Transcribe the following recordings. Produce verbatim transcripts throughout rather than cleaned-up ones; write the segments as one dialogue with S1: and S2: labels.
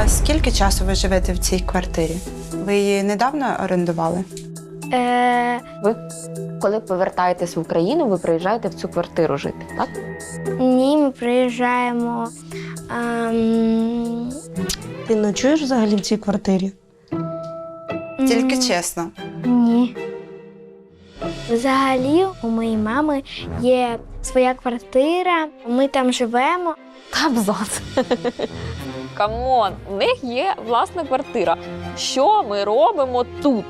S1: скільки часу ви живете в цій квартирі? Ви її недавно орендували?
S2: Е,
S3: Ви, коли повертаєтесь в Україну, ви приїжджаєте в цю квартиру жити, так?
S2: ні, ми приїжджаємо. ем,
S4: Ти ночуєш взагалі в цій квартирі?
S1: Тільки
S2: м,
S1: чесно.
S2: Ні. Взагалі, у моєї мами є своя квартира, ми там живемо.
S3: Абзац. Камон, у них є власна квартира. Що ми робимо тут?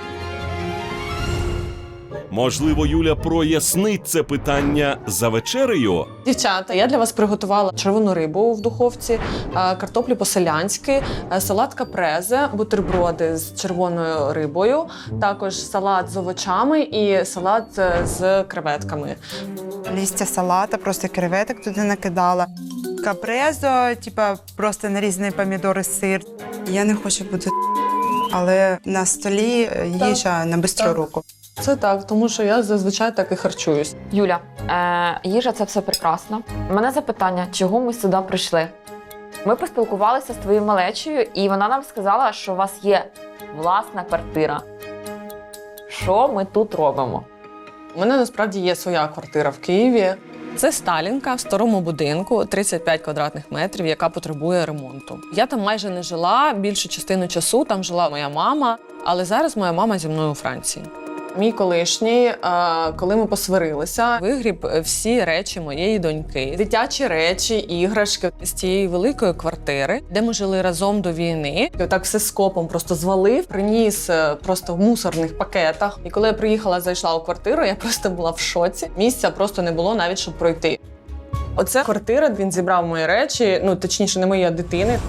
S5: Можливо, Юля прояснить це питання за вечерею?
S6: Дівчата, я для вас приготувала червону рибу в духовці, е, картоплю по-селянськи, е, салат капрезе, бутерброди з червоною рибою, також салат з овочами і салат е, з креветками.
S1: Лістя салата, просто креветок туди накидала. Капрезо, типа просто нарізаний помідори, сир. Я не хочу бути, але на столі їжа на бистру
S6: Так.
S1: руку.
S6: Це так, тому що я зазвичай так і харчуюсь.
S3: Юля, е, їжа – це все прекрасно. У мене запитання, чого ми сюди прийшли? Ми поспілкувалися з твоєю малечею, і вона нам сказала, що у вас є власна квартира. Що ми тут робимо?
S6: У мене насправді є своя квартира в Києві. Це Сталінка в старому будинку, тридцять п'ять квадратних метрів, яка потребує ремонту. Я там майже не жила, більшу частину часу там жила моя мама, але зараз моя мама зі мною у Франції. Мій колишній, е, коли ми посварилися, вигріб всі речі моєї доньки. Дитячі речі, іграшки з цієї великої квартири, де ми жили разом до війни. І отак все скопом просто звалив, приніс е, просто в мусорних пакетах. І коли я приїхала, зайшла у квартиру, я просто була в шоці. Місця просто не було навіть, щоб пройти. Оце квартира, він зібрав мої речі, ну точніше, не мої, а дитини.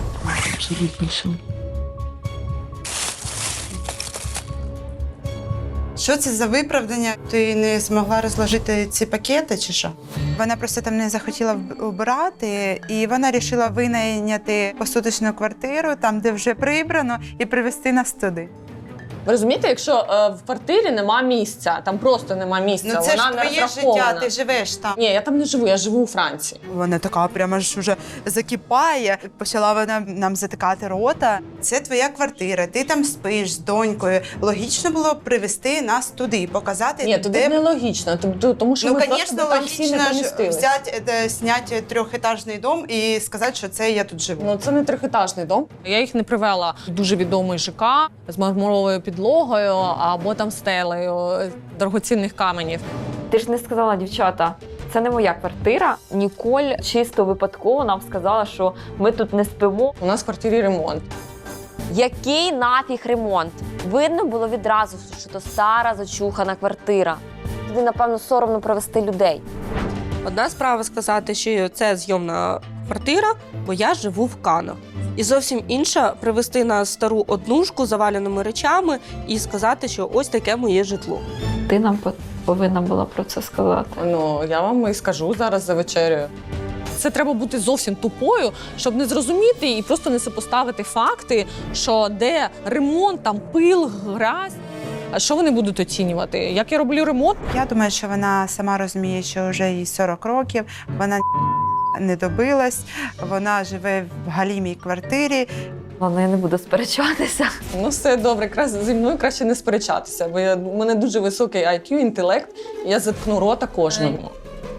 S1: Що це за виправдання? Ти не змогла розложити ці пакети чи що? Вона просто там не захотіла вб- убирати, і вона вирішила винайняти посуточну квартиру, там, де вже прибрано, і привезти нас туди.
S6: Ви розумієте, якщо е, в квартирі нема місця, там просто нема місця,
S1: Ну це
S6: вона
S1: ж
S6: не
S1: твоє
S6: розрахована.
S1: життя, ти живеш там.
S6: Ні, я там не живу, я живу у Франції.
S1: Вона така прямо ж уже закипає. Почала вона нам затикати рота. Це твоя квартира, ти там спиш з донькою. Логічно було привезти нас туди, показати,
S6: Ні, туди
S1: де...
S6: нелогічно, тобто- тому що
S1: Ну,
S6: ми просто
S1: звісно,
S6: би там всі не
S1: логічно ж
S6: помістились.
S1: взяти, е, зняти трьохетажний дом і сказати, що це я тут живу.
S6: Ну, це не трьохетажний дом. Я їх не привела в дуже відомий ЖК з мармуровою підлогою або там стелею дорогоцінних каменів.
S3: Ти ж не сказала, дівчата, це не моя квартира. Ніколь чисто випадково нам сказала, що ми тут не спимо.
S6: У нас в квартирі ремонт.
S3: Який нафіг ремонт? Видно було відразу, що то стара, зачухана квартира. Туди, напевно, соромно провести людей.
S4: Одна справа сказати, що це зйомна квартира, бо я живу в Канах. І зовсім інша привезти на стару однушку з заваленими речами і сказати, що ось таке моє житло.
S3: Ти нам по- повинна була про це сказати.
S6: Ну, я вам і скажу зараз за вечерею. Це треба бути зовсім тупою, щоб не зрозуміти і просто не сопоставити факти, що де ремонт, там пил, грязь. А що вони будуть оцінювати? Як я роблю ремонт?
S1: Я думаю, що вона сама розуміє, що вже їй сорок років, вона не добилась, вона живе в галімій квартирі.
S3: Ладно, я не буду сперечатися.
S6: Ну, все добре, якраз зі мною краще не сперечатися, бо я, у мене дуже високий ай к'ю, інтелект, і я заткну рота кожному.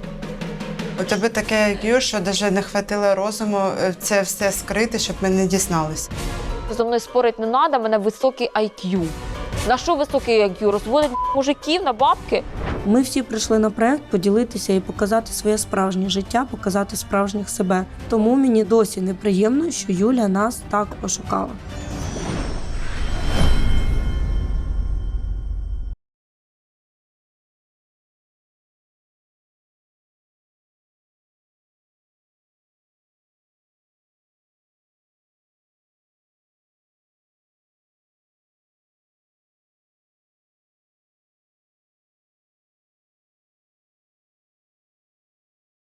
S1: У тебе таке ай к'ю, що навіть не хватило розуму це все скрити, щоб ми не дізналися.
S3: Зо мною спорити не треба, в мене високий ай к'ю. На що високий ай к'ю? Розводить мужиків на бабки?
S4: Ми всі прийшли на проект поділитися і показати своє справжнє життя, показати справжніх себе. Тому мені досі неприємно, що Юля нас так ошукала.